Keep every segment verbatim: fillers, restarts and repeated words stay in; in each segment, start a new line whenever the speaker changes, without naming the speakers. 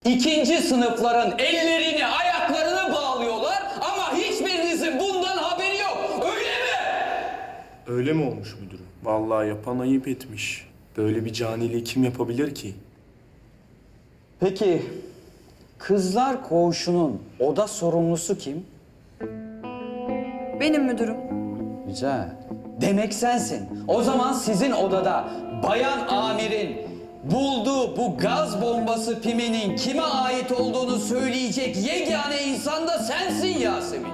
İkinci sınıfların ellerini, ayaklarını bağlıyorlar ama hiçbirinizin bundan haberi yok. Öyle mi?
Öyle mi olmuş müdürüm? Vallahi yapan ayıp etmiş. Böyle bir caniliği kim yapabilir ki?
Peki kızlar koğuşunun oda sorumlusu kim?
Benim müdürüm.
Güzel. Demek sensin. O zaman sizin odada bayan amirin bulduğu bu gaz bombası piminin kime ait olduğunu söyleyecek yegane insan da sensin Yasemin.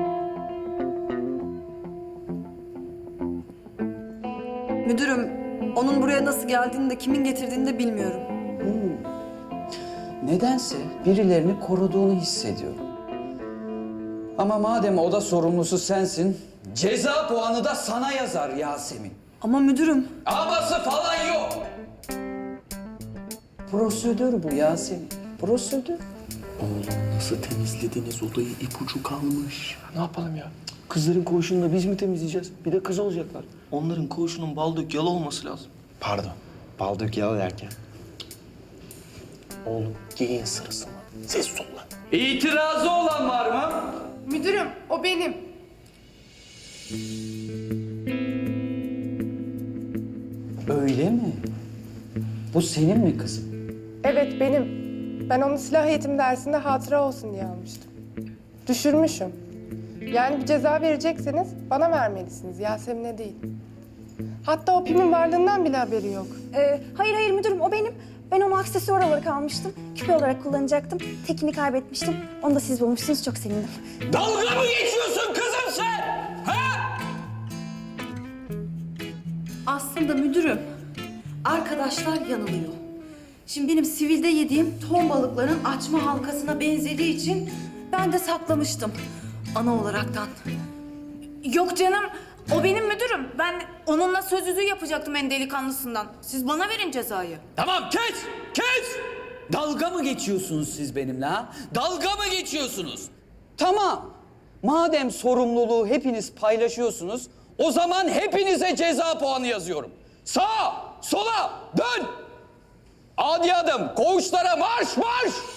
Müdürüm, onun buraya nasıl geldiğini de kimin getirdiğini de bilmiyorum.
Nedense birilerini koruduğunu hissediyorum. Ama madem oda sorumlusu sensin, ceza puanı da sana yazar Yasemin.
Ama müdürüm,
Aması falan yok. Prosedür bu Yasemin. Prosedür.
Oğlum nasıl temizlediniz odayı? İpucu kalmış.
Ne yapalım ya? Kızların koğuşunu da biz mi temizleyeceğiz? Bir de kız olacaklar. Onların koğuşunun bal dök yalı olması lazım.
Pardon, bal dök yalı derken.
Oğlum giyin sırası mı? Ses ol lan.
İtirazı olan var mı?
Müdürüm, o benim.
Öyle mi? Bu senin mi kızım?
Evet, benim. Ben onu silah eğitim dersinde hatıra olsun diye almıştım. Düşürmüşüm. Yani bir ceza verecekseniz bana vermelisiniz, Yasemin'e değil. Hatta o pimin varlığından bile haberi yok.
Ee, hayır hayır müdürüm o benim. Ben onu aksesuar olarak almıştım. Küpe olarak kullanacaktım. Tekini kaybetmiştim. Onu da siz bulmuşsunuz. Çok sevindim.
Dalga mı geçiyorsun kızım sen? Ha?
Aslında müdürüm, arkadaşlar yanılıyor. Şimdi benim sivilde yediğim ton balıkların açma halkasına benzediği için ben de saklamıştım ana olaraktan.
Yok canım, o benim müdürüm. Ben onunla söz yüzüğü yapacaktım en delikanlısından. Siz bana verin cezayı.
Tamam kes, kes! Dalga mı geçiyorsunuz siz benimle ha? Dalga mı geçiyorsunuz? Tamam. Madem sorumluluğu hepiniz paylaşıyorsunuz, o zaman hepinize ceza puanı yazıyorum. Sağa, sola, dön! Adi adım, koğuşlara marş marş!